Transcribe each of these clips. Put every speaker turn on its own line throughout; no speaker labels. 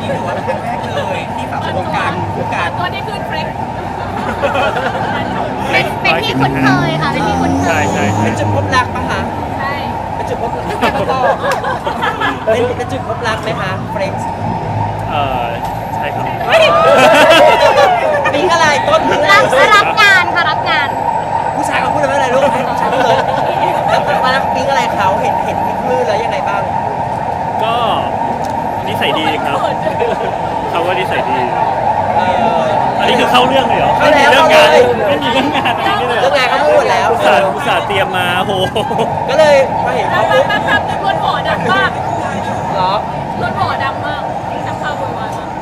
ถือว่าเป็นครั้งแรกเลยที่แบบวงการ
ตัวนี้คือเฟรก
เป็นที่คุ้นเคยค่ะเป็นที่คุ้นเคย
ใช่
เป็นจุดพบรักปะคะ
ใช่
เป็นจุดพบรักเป็นจุดพบรักไหมคะเฟรนช์
ใช่ครับ
ปิ๊งอะไรต้นปิ๊งอะไร
รับงานค่ะรับงาน
ผู้ชายเขาพูดอะไรลูกผู้ชายพูดเลยมาแล้วปิ๊งอะไรเขาเห็นที่คลื่นแล้วยังไงบ้าง
ก็นิสัยดีครับเขาว่านิสัยดี อันนี้คือเข้าเรื่องเลยเหรอ
เข้าแล้ว
เรื่องงาน
เข้าเลย
ไม่มีเรื่องงานอะไรนี่เลย
เรื่องงานเขาพูดแล้ว
อุตส่าห์เตรียมมาโห
ก็เลยพอเห็นเขาปุ๊บ
แป๊บๆรถหอดังมาก
เหรอ
รถหอดังมากสักพักโวยวายมาก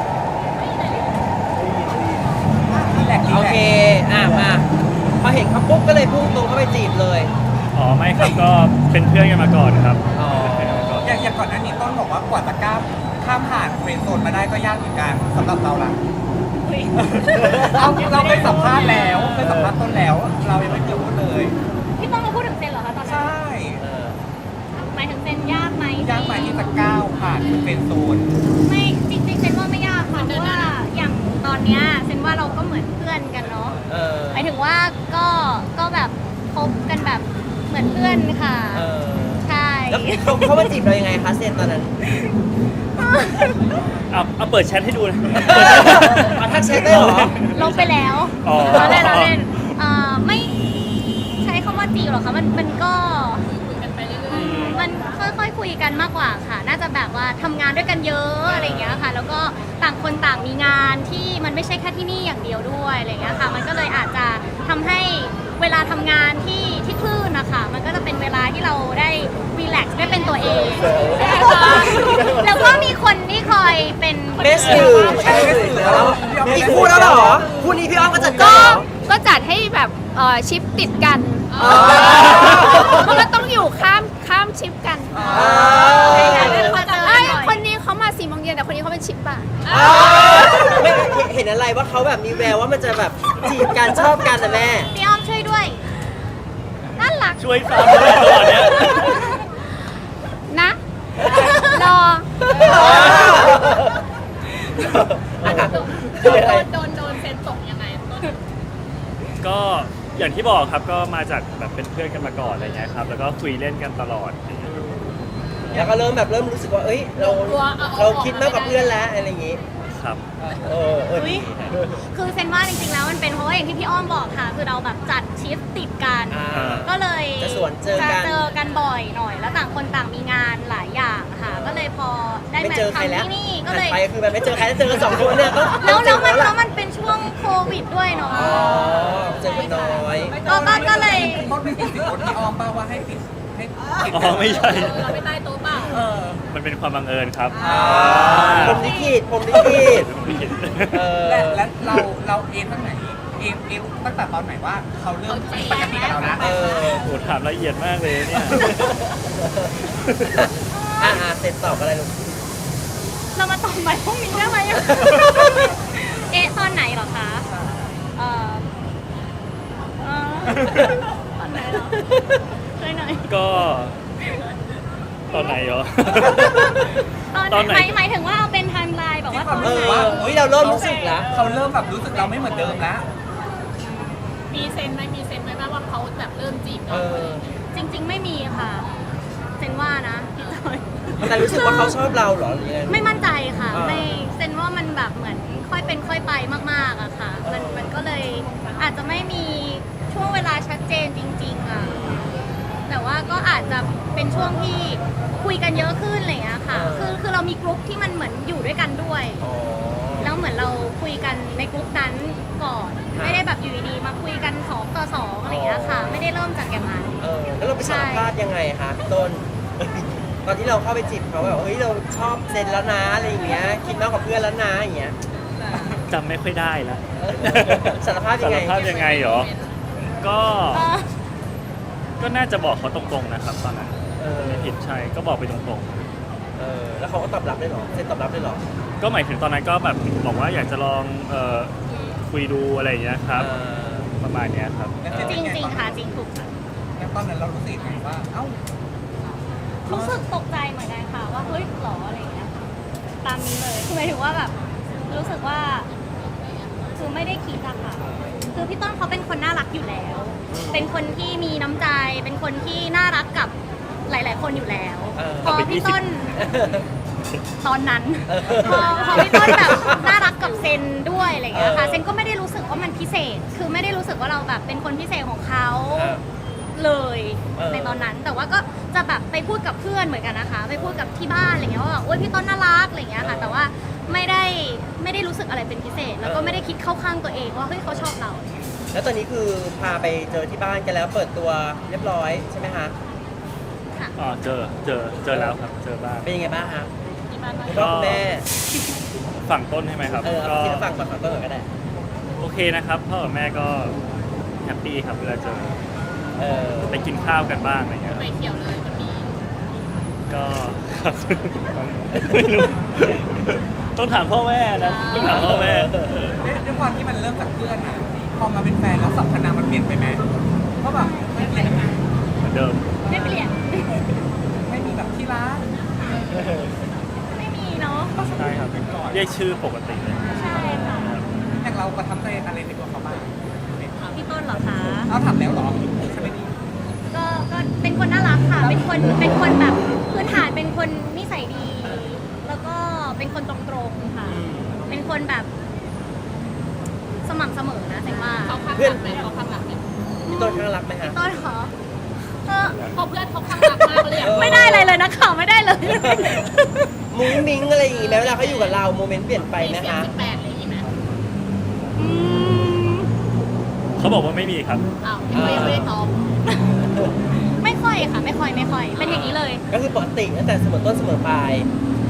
โอเคมาพอเห็นเขาปุ๊บก็เลยพุ่งตรงเข้าไปจีบเลย
อ๋อไม่ครับก็เป็นเพื่อนกันมาก่อนครับ
อ๋อ
เป็นเพื่อนกันมาก่อน
อย่างก่อนหน้านี้ต้นบอกว่ากว่าจะข้ามผ่านเฟรนด์โซนมาได้ก็ยากเหมือนกันสำหรับเราล่ะเราเคยสัมภาษณ์แล้วเคยสัมภาษณ์ต้นแล้ว เรายังไม่เคยพูดเลย
พี่ต้องมาพูดถึงเซนเหรอคะตอนนั้น
ใช่
หมายถึงเซนยากไหม
ยากไหมที่จะก้าวผ่านเฟรนด์โซน
ไม่จริงๆเซนว่าไม่ยากค่ะเพราะว่าอย่างตอนเนี้ยเซนว่าเราก็เหมือนเพื่อนกันเนาะ
เออ
หมายถึงว่าก็แบบคบกันแบบเหมือนเพื่อนค่ะ
เออ
ใช่
แล้วเขามาจีบเรายังไงคะเซนตอนนั้น
เอาเปิดแชทให้ดูนะ
เอาทักแชทได้เหรอ
ลงไปแล้ว
อ๋อ
เราเล่นไม่ใช้คำว่าจีบหรอกค่ะมันก็
คุยกันไปเรื่อย
มันค่อยๆคุยกันมากกว่าค่ะ น่าจะแบบว่าทำงานด้วยกันเยอะอะไรอย่างเงี้ยค่ะ แล้วก็ต่างคนต่างมีงานที่มันไม่ใช่แค่ที่นี่อย่างเดียวด้วยอะไรอย่างเงี้ยค่ะ มันก็เลยอาจจะทำให้เวลาทำงานที่คลื่นนะคะมันก็จะเป็นเวลาที่เราได้รีแลกซ์ได้เป็นตัวเอง แล้วก็มีคนที่คอยเป็น
เบสสื่อใช่เบสสื่อแล้วมีคู่แล้วเหรอคู่นี้พี่อ้อมก็จัดการเหรอ
ก็จัดให้แบบชิปติดกัน
อ๋อ
มันก็ต้องอยู่ข้ามชิปกัน
ไม่
ไอ้ยคนนี้เขามา4 โมงเย็นแต่คนนี้เขาเป็นชิปบ่าย
เห็นอะไรว่าเขาแบบมีแววว่ามันจะแบบจีบกันชอบกันนะแม่
พี่อ้อมช่วยด้วยน่ารัก
ช่วยฟังด้วยตลอดเนี้ย
นะ รอ
โดนเซนตกยังไงต้น
ก็อย่างที่บอกครับก็มาจากแบบเป็นเพื่อนกันมาก่อนอะไรเงี้ยครับแล้วก็คุยเล่นกันตลอด
แล้วก็เริ่มรู้สึกว่าเอ้ยเราคิดมากกว่าเพื่อนแล้วอะไรอย่างงี้
ครับ
ดี
คือเซนว่าจริงๆแล้วมันเป็นเพราะว่าอย่างที่พี่อ้อมบอกค่ะ คือเราแบบจัดชิฟต์ติดกัน ก็เลย
จะสวนเจอกัน
จะเจอกันบ่อยหน่อย แล้วต่างคนต่างมีงานหลายอย่างค่ะ ก็เลยพอได้
ไม่
มา
เจอใครแล้ว
ทำที่นี่ก็
หัน
เลย
ไปคือแบบไม่เจอใครแล้วเจอกัน2 คนเนี่ยก็
แล้วมันเป็นช่วงโควิดด้วยเนาะ
อ๋อเจอกันน้อย
ก็เลย
ต้นไม่ติดสิคนที่ออมเปล่าว่าให้ติดให้ติด
อ๋อไม่ใช่
เราไปใต้โต๊ะเปล่า
มันเป็นความบังเอิญครับ
ผมลิขิตผมลิขิต
ไม่เห็น
และเราเอ็นตั้งไหนเอ็นตั้งแต่ตอนไหนว่าเขาเริ่มปกติกับเรานะ
โหถามละเอียดมากเลยเนี่ย
เสร็จตอบอะไรลูก
เรามาตอบใหม่พรุ่งนี้ได้ไหมอะ ตอนไหนเหรอคะเอ่อตอนไหนเหรอช่วยหน่อย
ก็ตอนไหนเหรอ
ตอน
ตอนไหน
หมายถึงว่าเอาเป็นไทม์ไลน์แบบว่าตอน
เอ
ไหน
อเราเริ่มรู้สึกแล้ว
เขาเริ่มแบบรู้สึกเราไม่เหมือนเดิมแล้ว
มีเซนไหมว่าเขาแบบเริ่มจีบ
เอ
เรา
อ
จริง ๆ ไม่มีค่ะเซนว่านะพี่จอย
แต่รู้สึกว่าเขาชอบเราเหรอหรือยังไง
ไม่มั่นใจค่ะ
อ่า
ไม่เซนว่ามันแบบเหมือนค่อยเป็นค่อยไปมากๆอะค่ะ มันก็เลยอาจจะไม่มีช่วงเวลาชัดเจนจริงๆอะแต่ว่าก็อาจจะเป็นช่วงที่คุยกันเยอะขึ้นอะไรอย่างเงี้ยค่ะ คือเรามีกลุ่มที่มันเหมือนอยู่ด้วยกันด้วย
อ๋อ
แล้วเหมือนเราคุยกันในกลุ่มนั้นก่อน ไม่ได้แบบอยู่ดีๆมาคุยกัน2 ต่อ 2อะไรอย่างเงี้ยค่ะ ไม่ได้เริ่มจากอย่างนั้น
แล้วเราไปสารภาษณ์ยังไงคะพี่ต้น ตอนที่เราเข้าไปจีบเขาแบบเฮ้ยเราชอบเซนแล้วนะอะไรอย่างเงี้ยคิดมากกว่าเพื่อนแล้วนะอย่างเงี้ย
จำไม่ค่อยได้ละ
สารภาพยังไง
สารภาพยังไงเหรอ ก็น่าจะบอกเขาตรงๆนะครับตอนนั้นไม่ผิดใช่ก็บอกไปตรง
แล้วเขาก็ตอบรับได้เหรอเซนตอบรับได้เหรอ
ๆ ก็หมายถึงตอนนั้นก็แบบบอกว่าอยากจะลองคุยดูอะไรอย่างเงี้ยครับ ประมาณเนี้ยครับ
จริงๆค่ะจริงถูกค่ะ
แล้วตอนนั้นเรารู้สึกไงว่า เอ้า
รู้สึกตกใจเหมือนกันค่ะว่าเฮ้ยหรออะไรอย่างเงี้ยตามนี้เลยคือหมายถึงว่าแบบรู้สึกว่าคือไม่ได้คิดอะค่ะคือพี่ต้นเขาเป็นคนน่ารักอยู่แล้ว เป็นคนที่มีน้ำใจ เป็นคนที่น่ารักกับหลาย ๆ คนอยู่แล้ว พอพี่ต้นตอนนั้น พอพี่ต้นแบบน่ารักกับเซนด้วยอะไรอย่างเงี้ยค่ะเซนก็ไม่ได้รู้สึกว่ามันพิเศษ คือไม่ได้รู้สึกว่าเราแบบเป็นคนพิเศษของเขาเลยในตอนนั้น แต่ว่าก็จะแบบไปพูดกับเพื่อนเหมือนกันนะคะ ไปพูดกับที่บ้านอะไรเงี้ยว่าแบบโอ๊ยพี่ต้นน่ารักอะไรเงี้ยค่ะ แต่ว่าไม่ได้รู้สึกอะไรเป็นพิเศษ แล้วก็ไม่ได้คิดเข้าข้างตัวเองว่าเฮ้ยเขาชอบเรา
แล้วตอนนี้คือพาไปเจอที่บ้านกันแล้วเปิดตัวเรียบร้อยใช่ไหมคะ
ค่ะ
อ๋อเจอแล้วครับเจอบ้าง
เป็นยังไงบ้างคะ
ที่บ้านว่า
คุณพ่อคุณแม่
ฝั่งต้นใช่ไหมครับ
เอาที่ฝั่งก่อนฝั่งต้นก่อนก็ได้
โอเคนะครับพ่อกับแม่ก็แฮปปี้ครับเวลาเจอ
เออ
ไปกินข้าวกันบ้างอะไรเงี้ยครับ
ไม่เขียวเลยมันมี
ก็ครับไม่รู้ต้องถามพ่อแม่นะต้องถามพ่อแม่
ด้วยความที่มันเริ่มจากเพื่อนนะพอมาเป็นแฟนแล้วสัมพันธ์มันเปลี่ยนไปไหมก็แบบไม่เปลี่ยนนะ
เหมือนเดิม
ไม่เปลี่ยน
ไม่มีแบบที่รัก
ไม่มีเนาะ
ใช่ครับเรียกชื่อปกติเลย
ใช่ค่ะ
อย่างเราประทับใจอะไรในตัวเขาบ้าง
พี่ต้นเหรอคะ
เอาถามแล้วเหรอใช่ไหมนี่
ก็เป็นคนน่ารักค่ะ เป็นคนแบบพื้นฐานเป็นคนนิสัยดี แล้วก็เป็นคนตรงๆค่ะ เป็นคนแบบสม่ำเสมอนะแสดงว่า
เขาข้างหลังไหมเขาข้างหลังไหม
พี่ต้นข้างรักไหมคะ
ต้นเหรอก็
พอเพื่อนเขาข้างหลังมากเลยอะ
ไม่ได้อะไรเลยนะข่าวไม่ได้เลย
มุ้งมิ้งอะไรอย่างงี้ไหมเวลาเขาอยู่กับเราโมเมนต์เปลี่ยนไป
มี
ไหม
เสียง
คะ
18อะไรอย่างงี้ไหม
อืม
เขาบอกว่าไม่มีครับ
อ้าวเขายังไม่ได้ตอบ
ไม่ค่อยค่ะ ไม่ค่อย เป็นอย่างนี้เลย
ก็คือปกติตั้งแต่เสมอต้นเสมอปลาย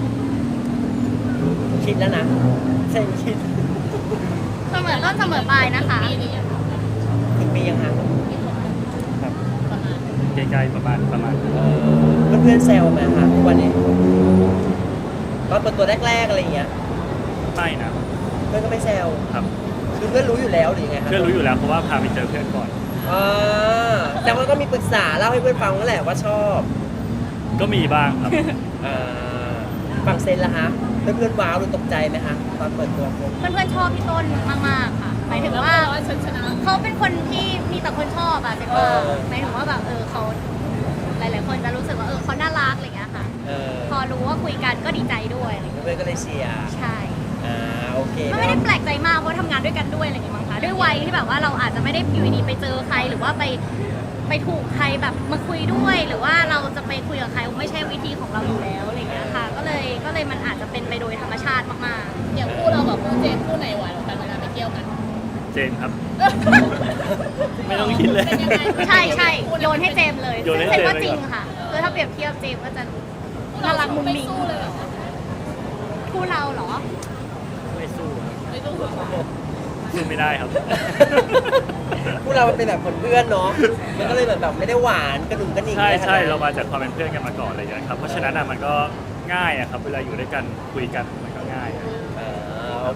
คิดแล้วนะเซนคิด
เสมอต้นเสมอปลายนะคะ
ปีนี้ยัง
ถึงปียังคะ
ครับ
ประมาณ
ใกล้ๆประมาณ
เพื่อนๆแซวไหมคะทุกวันนี้ตอนเปิดตัวแรกๆอะไรอย่างเงี้ย
ไม่นะ
เพื่อนก็ไม่แซว
ครับ
คือเพื่อนรู้อยู่แล้วหรือยังไงคะ
เพื่อนรู้อยู่แล้วเพราะว่าพาไปเจอเพื่อนก่อน
อ่าแต่ว่าก็มีปรึกษาเล่าให้เพื่อนฟังนั่นแหละว่าชอบ
ก็มีบ้างครับ
อ่าฝั่งเซนล่ะคะเพื่อนๆว้าวหรือตกใจไหมคะตอนเปิดตัวคบ
เพื่อนๆชอบพี่ต้นมากๆค่ะ หมายถึง
แล้ว
ว่า
ว่าฉันชนะ
เขาเป็นคนที่มีแต่คนชอบอะเป็นว่าหมายถึงว่าแบบเขาหลายๆคนจะรู้สึกว่าเขาน่ารักอะไรอย่างเงี้ยค่ะ
เออ
พอรู้ว่าคุยกันก็ดีใจด้วยอะไรอย่างเงี้ย
เพื่อนๆก็เลยเชียร์
ใช่
อ่าโอเค
มันไม่ได้แปลกใจมากเพราะทำงานด้วยกันด้วยอะไรอย่างเงี้ยมั้งคะด้วยวัยที่แบบว่าเราอาจจะไม่ได้อยู่ดีๆไปเจอใครหรือว่าไปถูกใครแบบมาคุยด้วย หรือว่าเราจะไปคุยกับใครไม่ใช่วิธีของเราอยู่แล้วอะไรอย่างเงี้ยค่ะ ก็เลยมันอาจจะเป็นไปโดยธรรมชาติมากๆ
อย่างคู่เรากับคู่เจนคู่ไหนหวานกว่ากันเวลาไปเที่ยวกัน
เจนครับ ไม่ต้องคิดเลย
เป็นยังไง
ใช่ใช่โยนให้เจมส์เลย
โยนให้
ซึ่ง
เจมส์
ว่า
เลย
จริง
เหรอ
ค่ะคือถ้าเปรียบเทียบเจมส์ก็จะน่ารักมุ้งมิ้ง
ไสู้เลยเหรอ
คู่เราเหรอ
ไม่สู้ครับ
ไม่สู้เหรอ
สู้ไม่ได้ครับ
พวกเรามันเป็นแบบคนเพื่อนเนาะมันก็เลยแบบไม่ได้หวานกระดุมกระดิ่ง
ใช่
อะไรขนด
ใช่
นั้น
เรามาจากความเป็นเพื่อนกันมาก่อนอะไรอย่างเงี้ยครับเพราะฉะนั้นอ่ะมันก็ง่ายอะครับเวลาอยู่ด้วยกันคุยกันมัน